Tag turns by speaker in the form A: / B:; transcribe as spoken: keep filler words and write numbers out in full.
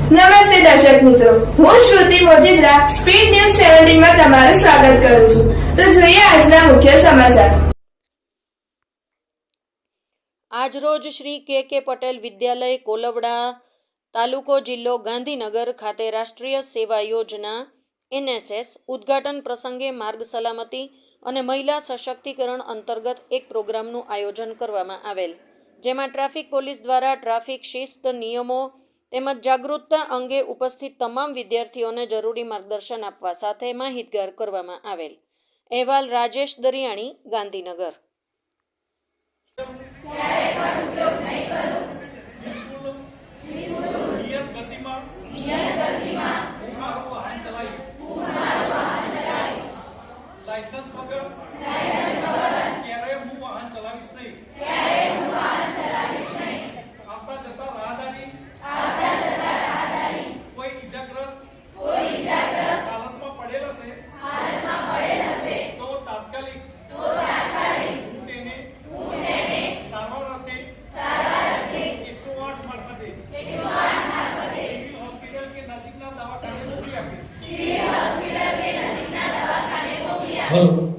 A: નમસ્તે દર્શક મિત્રો, હું શ્રુતિ મોજીદ્રા સ્પીડ ન્યૂઝ સત્તર માં તમારું સ્વાગત કરું છું. તો જોઈએ આજના મુખ્ય સમાચાર.
B: આજરોજ શ્રી કે કે પટેલ વિદ્યાલય કોલવડા તાલુકો જિલ્લો ગાંધીનગર ખાતે રાષ્ટ્રીય સેવા યોજના એન એસ એસ ઉદ્ઘાટન પ્રસંગે માર્ગ સલામતી અને મહિલા સશક્તિકરણ અંતર્ગત એક પ્રોગ્રામનું આયોજન કરવામાં આવેલ, જેમાં ટ્રાફિક પોલીસ દ્વારા ટ્રાફિક શિસ્ત નિયમો તેમજ જાગૃતતા અંગે ઉપસ્થિત તમામ વિદ્યાર્થીઓને જરૂરી માર્ગદર્શન આપવા સાથે માહિતગાર કરવામાં આવેલ. અહેવાલ રાજેશ દરિયાણી, ગાંધીનગર.
C: લાયસન્સ વગર ક્યારેય હું વાહન ચલાવીશ નહીં. ક્યારેય હું વાહન ચલાવીશ નહીં. આવતા જતા રાહદારી આવતા જતા રાહદારી કોઈ ઈજાગ્રસ્ત કોઈ ઈજાગ્રસ્ત હાલતમાં પડેલ હશે હાલતમાં પડેલ હશે તો તાત્કાલિક તો તાત્કાલિક હું તેને હું તેને સારવાર અર્થે સારવાર અર્થે એકસો આઠ મારફતે એકસો આઠ મારફતે સિવિલ હોસ્પિટલ કે નજીકના દવાખાને મોકલી આપીશ. સિવિલ હોસ્પિટલ કે નજીકના દવાખાને મોકલી આપીશ.